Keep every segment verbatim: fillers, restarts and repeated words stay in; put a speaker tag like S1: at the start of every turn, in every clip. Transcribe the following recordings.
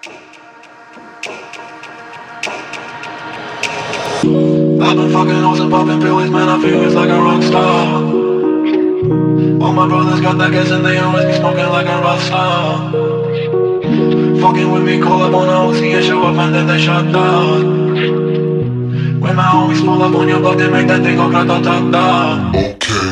S1: I've been fucking hoes and popping pills, man, I feel it's like a rock star. All my brothers got that gas and they always be smoking like a rock star. Fucking with me, call up on a O C and show up and then they shut down. When my homies pull up on your block, they make that thing go grata-ta-ta. Okay.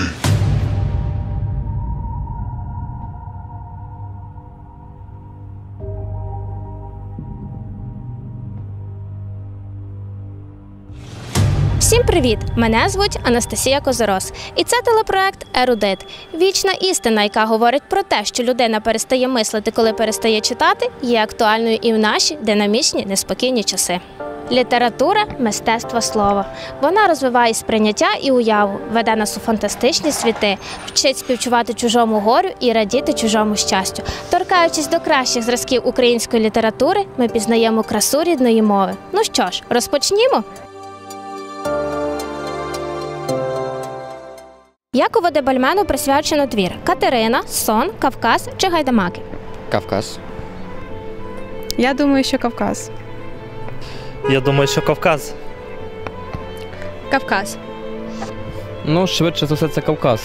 S2: Всім привіт! Мене звуть Анастасія Козорос. І це телепроект «Ерудит». Вічна істина, яка говорить про те, що людина перестає мислити, коли перестає читати, є актуальною і в наші динамічні, неспокійні часи. Література – мистецтво слова. Вона розвиває сприйняття і уяву, веде нас у фантастичні світи, вчить співчувати чужому горю і радіти чужому щастю. Торкаючись до кращих зразків української літератури, ми пізнаємо красу рідної мови. Ну що ж, розпочнімо? Якову Дебальмену присвячено твір «Катерина», «Сон», «Кавказ» чи «Гайдамаки»?
S3: Кавказ.
S4: Я думаю, що Кавказ.
S5: Я думаю, що Кавказ.
S4: Кавказ.
S3: Ну, швидше за все, це Кавказ.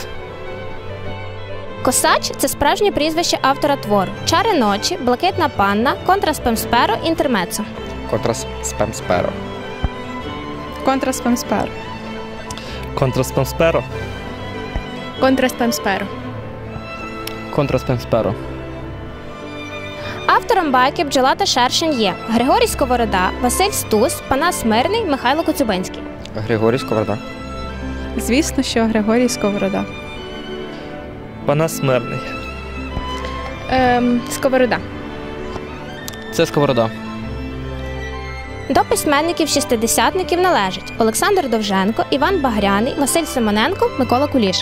S2: Косач – це справжнє прізвище автора твору. «Чари ночі», «Блакитна панна», «Контраспемсперо», «Інтермецо».
S3: Контраспемсперо.
S4: Контраспемсперо.
S5: Контраспемсперо.
S4: Контраспемсперо.
S3: Контраспемсперо.
S2: Автором байки «Бджола та шершень» є Григорій Сковорода, Василь Стус, Панас Мирний, Михайло Коцюбинський.
S3: Григорій Сковорода.
S4: Звісно, що Григорій Сковорода.
S5: Панас Мирний.
S4: Ем, Сковорода.
S3: Це Сковорода.
S2: До письменників-шістидесятників належать Олександр Довженко, Іван Багряний, Василь Симоненко, Микола Куліш.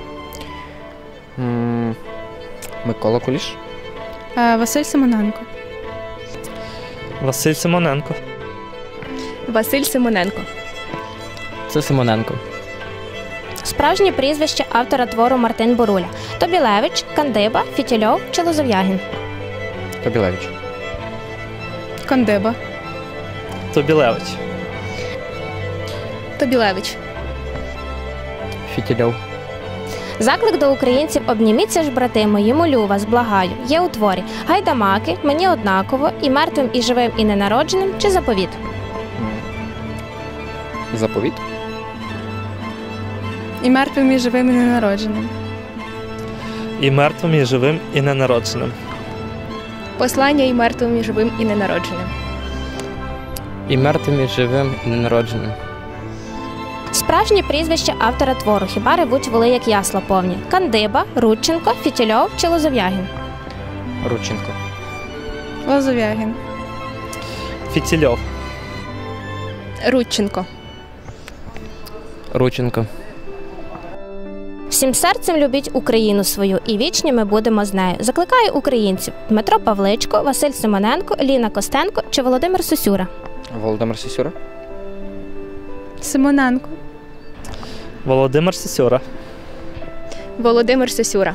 S3: М, Микола Куліш.
S4: Е, Василь Симоненко.
S5: Василь Симоненко.
S4: Василь Симоненко.
S3: Це Симоненко.
S2: Справжнє прізвище автора твору Мартин Боруля. Тобілевич, Кандиба, Фітільов чи Лозов'ягін.
S3: Тобілевич.
S4: Кандиба.
S5: Тобілевич.
S4: Тобілевич.
S3: Фітільов.
S2: Заклик до українців «Обніміться ж, брати мої, молю вас, благаю» є у творі «Гайдамаки», «Мені однаково», «І мертвим, і живим, і ненародженим» чи «Заповіт».
S3: Заповіт.
S4: І мертвим, і живим, і ненародженим.
S5: І мертвим, і живим, і ненародженим.
S4: Послання і мертвим, і живим, і ненародженим.
S3: І мертвим, і живим, і ненародженим.
S2: Справжнє прізвище автора твору «Хіба ревуть воли, як ясла повні» Кандиба, Рудченко, Фітільов чи Лозов'ягін.
S3: Рудченко.
S4: Лозов'ягін.
S5: Фітільов.
S4: Рудченко.
S3: Рудченко.
S2: Всім серцем любіть Україну свою, і вічні ми будемо з нею. Закликає українців Дмитро Павличко, Василь Симоненко, Ліна Костенко чи Володимир Сосюра.
S3: Володимир Сосюра.
S4: Симоненко.
S5: Володимир Сосюра.
S4: Володимир Сосюра.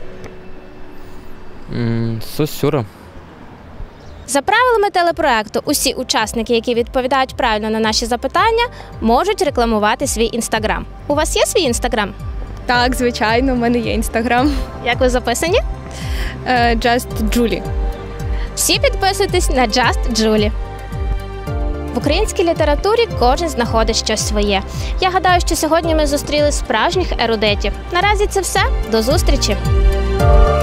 S3: М, Сосюра.
S2: За правилами телепроекту, усі учасники, які відповідають правильно на наші запитання, можуть рекламувати свій інстаграм. У вас є свій інстаграм?
S4: Так, звичайно, у мене є інстаграм.
S2: Як ви записані?
S4: Е, Just Julie.
S2: Всі підписуйтесь на Just Julie. В українській літературі кожен знаходить щось своє. Я гадаю, що сьогодні ми зустріли справжніх ерудитів. Наразі це все. До зустрічі!